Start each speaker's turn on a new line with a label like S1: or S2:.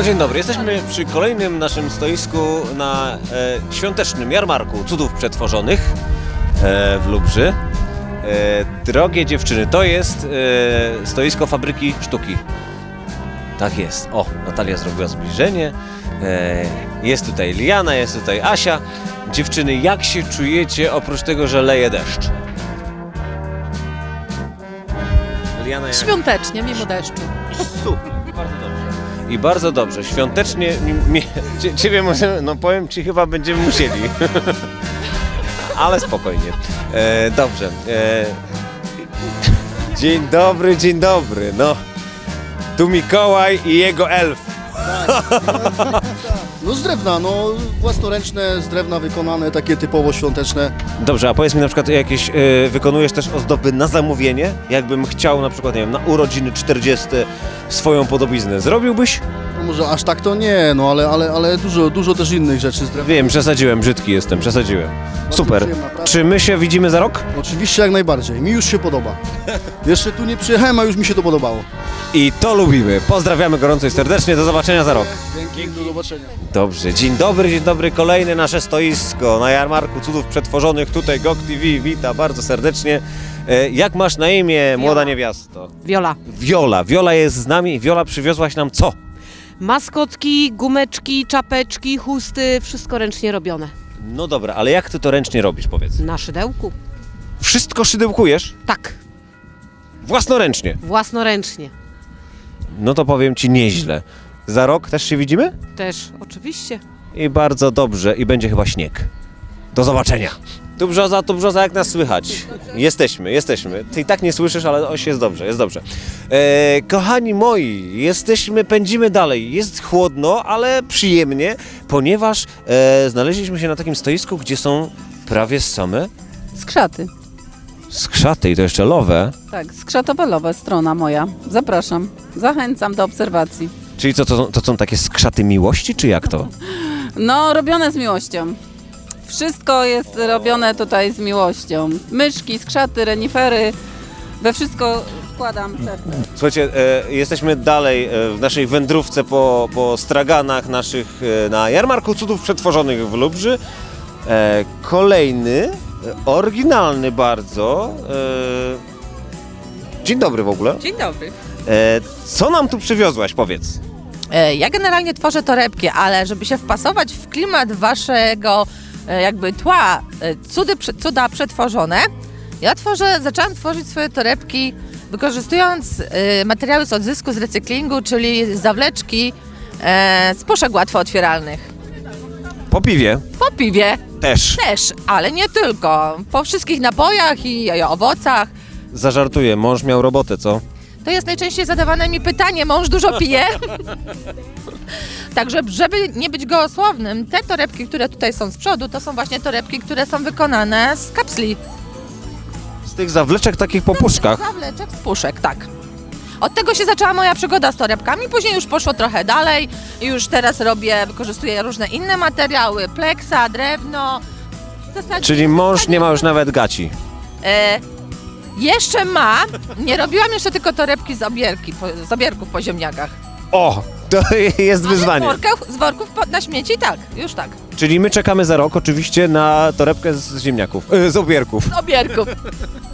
S1: No dzień dobry, jesteśmy przy kolejnym naszym stoisku na świątecznym jarmarku cudów przetworzonych w Lubrzy. Drogie dziewczyny, to jest stoisko fabryki sztuki. Tak jest. O, Natalia zrobiła zbliżenie. Jest tutaj Liana, jest tutaj Asia. Dziewczyny, jak się czujecie oprócz tego, że leje deszcz? Liana, jak...
S2: Świątecznie, mimo deszczu.
S1: Super, bardzo dobrze. I bardzo dobrze, świątecznie ciebie może, no powiem ci, chyba będziemy musieli. Ale spokojnie. Dobrze. Dzień dobry, no. Tu Mikołaj i jego elf.
S3: No z drewna, no własnoręczne, z drewna wykonane, takie typowo świąteczne.
S1: Dobrze, a powiedz mi na przykład jakieś, wykonujesz też ozdoby na zamówienie? Jakbym chciał na przykład, nie wiem, na urodziny 40 swoją podobiznę, zrobiłbyś?
S3: No może aż tak to nie, no ale dużo też innych rzeczy z drewna.
S1: Wiem, przesadziłem, brzydki jestem, przesadziłem. Super.
S3: przyjemna praca.
S1: Czy my się widzimy za rok?
S3: Oczywiście jak najbardziej, mi już się podoba. Jeszcze tu nie przyjechałem, a już mi się to podobało.
S1: I to lubimy. Pozdrawiamy gorąco i serdecznie, do zobaczenia za rok.
S3: Dzięki, do zobaczenia.
S1: Dobrze, dzień dobry, kolejne nasze stoisko na jarmarku cudów przetworzonych. Tutaj GOG TV wita bardzo serdecznie. Jak masz na imię, młoda niewiasto?
S2: Wiola.
S1: Wiola jest z nami i Wiola przywiozłaś nam co?
S2: Maskotki, gumeczki, czapeczki, chusty, wszystko ręcznie robione.
S1: No dobra, ale jak ty to ręcznie robisz, powiedz?
S2: Na szydełku?
S1: Wszystko szydełkujesz?
S2: Tak,
S1: Własnoręcznie?
S2: własnoręcznie.
S1: No to powiem ci nieźle. Za rok też się widzimy?
S2: Też, oczywiście.
S1: I bardzo dobrze, i będzie chyba śnieg. Do zobaczenia. Tu brzoza, jak nas słychać? Jesteśmy. Ty i tak nie słyszysz, ale oś jest dobrze, jest dobrze. Kochani moi, pędzimy dalej. Jest chłodno, ale przyjemnie, ponieważ znaleźliśmy się na takim stoisku, gdzie są prawie same
S4: Skrzaty.
S1: skrzaty i to jeszcze lowe.
S4: Tak, skrzatowelowe, strona moja. Zapraszam. Zachęcam do obserwacji.
S1: Czyli co, to są takie skrzaty miłości, czy jak to?
S4: No, robione z miłością. Wszystko jest robione tutaj z miłością. Myszki, skrzaty, renifery. We wszystko wkładam serce.
S1: Słuchajcie, jesteśmy dalej w naszej wędrówce po straganach naszych na jarmarku cudów przetworzonych w Lubrzy. Kolejny, oryginalny bardzo. Dzień dobry w ogóle.
S5: Dzień dobry.
S1: Co nam tu przywiozłaś, powiedz?
S5: Ja generalnie tworzę torebki, ale żeby się wpasować w klimat waszego jakby tła, cuda przetworzone, zaczęłam tworzyć swoje torebki wykorzystując materiały z odzysku, z recyklingu, czyli zawleczki z puszek łatwo otwieralnych.
S1: Po piwie
S5: Po piwie
S1: też.
S5: też, ale nie tylko. Po wszystkich napojach i owocach.
S1: Zażartuję, mąż miał robotę, co?
S5: To jest najczęściej zadawane mi pytanie, mąż dużo pije? Także, żeby nie być gołosłownym, te torebki, które tutaj są z przodu, to są właśnie torebki, które są wykonane z kapsli.
S1: Z tych zawleczek takich po puszkach.
S5: Zawleczek z puszek, tak. Od tego się zaczęła moja przygoda z torebkami, później już poszło trochę dalej i już teraz wykorzystuję różne inne materiały, pleksa, drewno. W zasadzie-
S1: Czyli mąż nie ma już nawet gaci.
S5: Jeszcze ma, nie robiłam jeszcze tylko torebki z obierków po ziemniakach.
S1: O, to jest wyzwanie.
S5: Ale z worków na śmieci, tak, już tak.
S1: Czyli my czekamy za rok oczywiście na torebkę z ziemniaków, z obierków.
S5: Z obierków.